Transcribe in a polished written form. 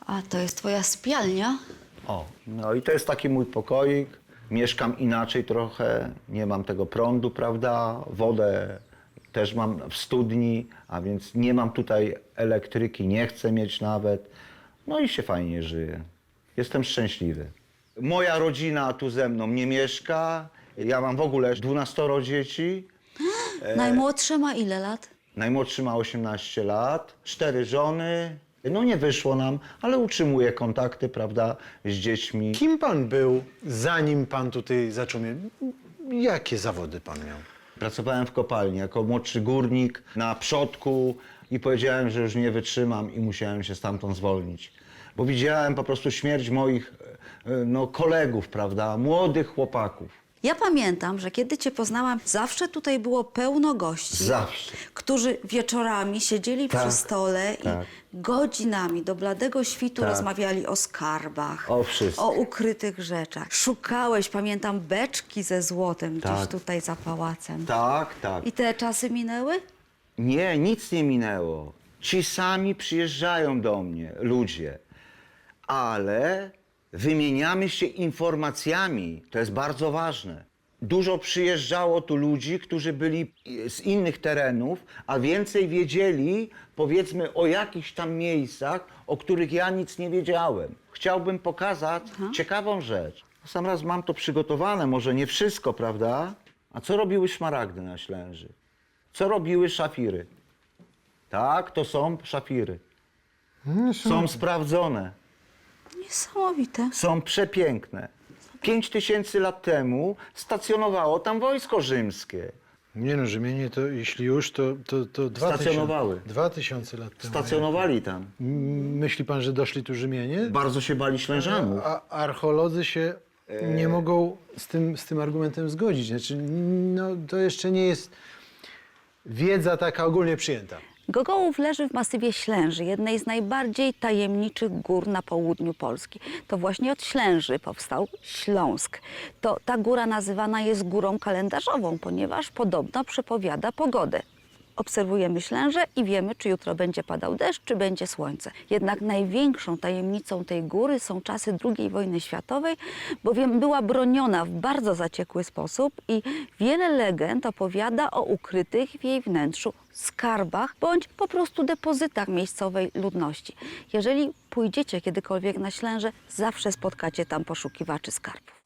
A to jest twoja sypialnia? O, no i to jest taki mój pokoik. Mieszkam inaczej trochę, nie mam tego prądu, prawda? Wodę też mam w studni, a więc nie mam tutaj elektryki, nie chcę mieć nawet. No i się fajnie żyje. Jestem szczęśliwy. Moja rodzina tu ze mną nie mieszka. Ja mam w ogóle 12 dzieci. Najmłodszy ma ile lat? Najmłodszy ma 18 lat, 4 żony. No nie wyszło nam, ale utrzymuję kontakty, prawda, z dziećmi. Kim pan był, zanim pan tutaj zaczął mieć? Jakie zawody pan miał? Pracowałem w kopalni jako młodszy górnik na przodku i powiedziałem, że już nie wytrzymam i musiałem się stamtąd zwolnić. Bo widziałem po prostu śmierć moich kolegów, prawda, młodych chłopaków. Ja pamiętam, że kiedy cię poznałam, zawsze tutaj było pełno gości. Zawsze. Którzy wieczorami siedzieli Tak, przy stole tak. i godzinami do bladego świtu Tak. rozmawiali o skarbach, O wszystkim. o ukrytych rzeczach. Szukałeś, pamiętam, beczki ze złotem gdzieś Tak. tutaj za pałacem. Tak, tak. I te czasy minęły? Nie, nic nie minęło. Ci sami przyjeżdżają do mnie, ludzie. Ale wymieniamy się informacjami, to jest bardzo ważne. Dużo przyjeżdżało tu ludzi, którzy byli z innych terenów, a więcej wiedzieli, powiedzmy, o jakichś tam miejscach, o których ja nic nie wiedziałem. Chciałbym pokazać ciekawą rzecz. Sam raz mam to przygotowane, może nie wszystko, prawda? A co robiły szmaragdy na Ślęży? Co robiły szafiry? Tak, to są szafiry. Są sprawdzone. Niesamowite. Są przepiękne. 5000 lat temu stacjonowało tam wojsko rzymskie. Nie no, Rzymianie to jeśli już, to 2000, Stacjonowały. 2000 lat temu. Stacjonowali tam. Myśli pan, że doszli tu Rzymianie? Bardzo się bali Ślężanów. A archeolodzy się nie mogą z tym argumentem zgodzić. Znaczy, no, to jeszcze nie jest wiedza taka ogólnie przyjęta. Gogołów leży w masywie Ślęży, jednej z najbardziej tajemniczych gór na południu Polski. To właśnie od Ślęży powstał Śląsk. Ta góra nazywana jest górą kalendarzową, ponieważ podobno przepowiada pogodę. Obserwujemy Ślężę i wiemy, czy jutro będzie padał deszcz, czy będzie słońce. Jednak największą tajemnicą tej góry są czasy II wojny światowej, bowiem była broniona w bardzo zaciekły sposób i wiele legend opowiada o ukrytych w jej wnętrzu skarbach bądź po prostu depozytach miejscowej ludności. Jeżeli pójdziecie kiedykolwiek na Ślężę, zawsze spotkacie tam poszukiwaczy skarbów.